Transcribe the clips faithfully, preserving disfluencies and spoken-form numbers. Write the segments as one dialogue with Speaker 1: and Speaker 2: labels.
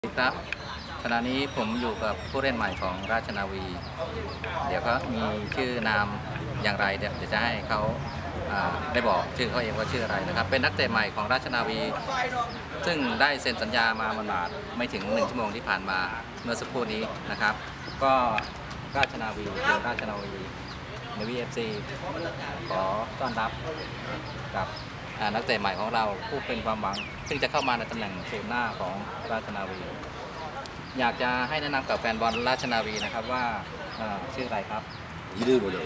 Speaker 1: ครับขณะนี้ผมอยู่กับผู้เล่นใหม่ของราชนาวี เดี๋ยวก็มีชื่อนามอย่างไรเดี๋ยวจะให้เขาได้บอกชื่อเขาเองว่าชื่ออะไรนะครับเป็นนักเตะใหม่ของราชนาวีซึ่งได้เซ็นสัญญามาหมาดๆไม่ถึงหนึ่งชั่วโมงที่ผ่านมาเมื่อสักครู่นี้นะครับก็ราชนาวีคือราชนาวีในวีเอฟซีขอต้อนรับกับนักเตะใหม่ของเราผู้เป็นความหวังซึ่งจะเข้ามาในตำแหน่งศูนย์หน้าของราชนาวีอยากจะให้แนะนำกับแฟนบอลราชนาวีนะครับว่าชื่ออะไรครับ
Speaker 2: 이름이뭐냐고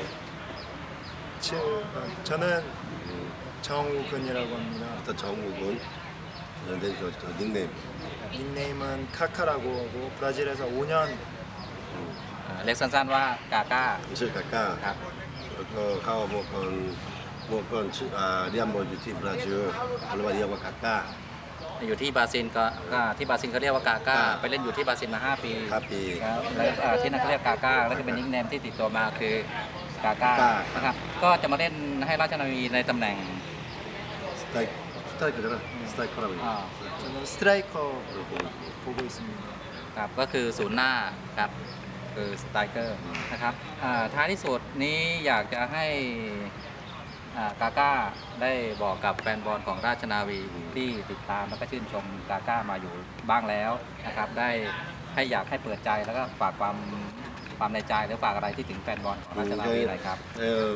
Speaker 3: 저저는정우근이라고합니다
Speaker 2: 일단 정우근. 근데 저, 저 닉네임.
Speaker 3: 닉네임은 카카라고 하고 브라질에서 오 년.
Speaker 1: เรียกสั้นๆว่ากาก้า
Speaker 2: ชื่อกาก้าครับก็เข้าโมกอนโมกอนชื่ออ่าเรียนบอลอยู่ที่บราซิลเขาเรียกว่าเรียกว่ากาก้า
Speaker 1: อยู่ที่บราซิลก็ที่บราซิลเขาเรียกว่ากาก้าไปเล่นอยู่ที่บราซิลมาห้าปี
Speaker 2: ห้าปี
Speaker 1: แล้วที่นั่นเขาเรียกกาก้าแล้วก็เป็นนิคเนมที่ติดตัวมาคือกาก้านะครับก็จะมาเล่นให้ราชนาวีในตำแหน่ง
Speaker 2: สไตล์สไตล์ก็ได้สไตล์คาราบี
Speaker 3: 저는 스트라이커 보고 있습니다
Speaker 1: ครับก็คือศูนย์หน้าครับคือสไตรเกอร์นะครับท้ายที่สุดนี้อยากจะให้กาก้าได้บอกกับแฟนบอลของราชนาวีที่ติดตามแล้วก็ชื่นชมกาก้ามาอยู่บ้างแล้วนะครับได้ให้อยากให้เปิดใจแล้วก็ฝากความความในใจหรือฝากอะไรที่ถึงแฟนบอลของราชนาวีหน่อยครับ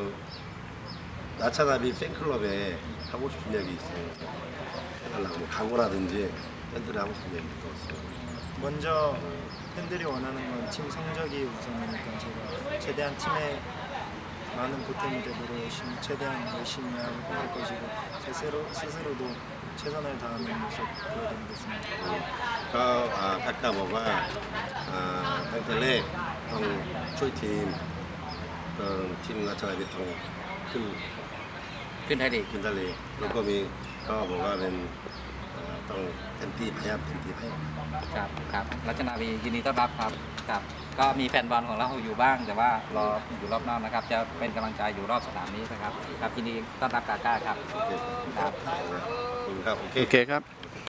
Speaker 2: ราชนาวี팬클럽에 하고 싶은 얘기 있어요. 하려고 뭐 각오라든지 팬들이 하고 싶은 얘기 있어요.
Speaker 3: 먼저 팬들이 원하는 건 팀 성적이 우선이니까 제가 최대한 팀에 많은 보탬이 되도록 열심히, 최대한 열심히 할 것이고 제 스스로, 스스로도 최선을 다하는 모습 보여드리겠습니다.
Speaker 2: ก็กาก้าบอกว่าตั้งแต่แรกต้องช่วยทีมทีมราชนาวีต้องขึ้น
Speaker 1: ขึ้นไทยลีก
Speaker 2: ขึ้นไทยลีกแล้วก็มีก็บอกว่าเป็นต้องเต็มที่พยายามเต็มที่ให้
Speaker 1: ครับครับราชนาวียินดีต้อนรับครับครับก็มีแฟนบอลของเราอยู่บ้างแต่ว่ารออยู่รอบนอกนะครับจะเป็นกำลังใจอยู่รอบสนามนี้นะครับครับยินดีต้อนรับกาก้าครับ
Speaker 2: ครับโอเคครับ
Speaker 1: โอเคครับ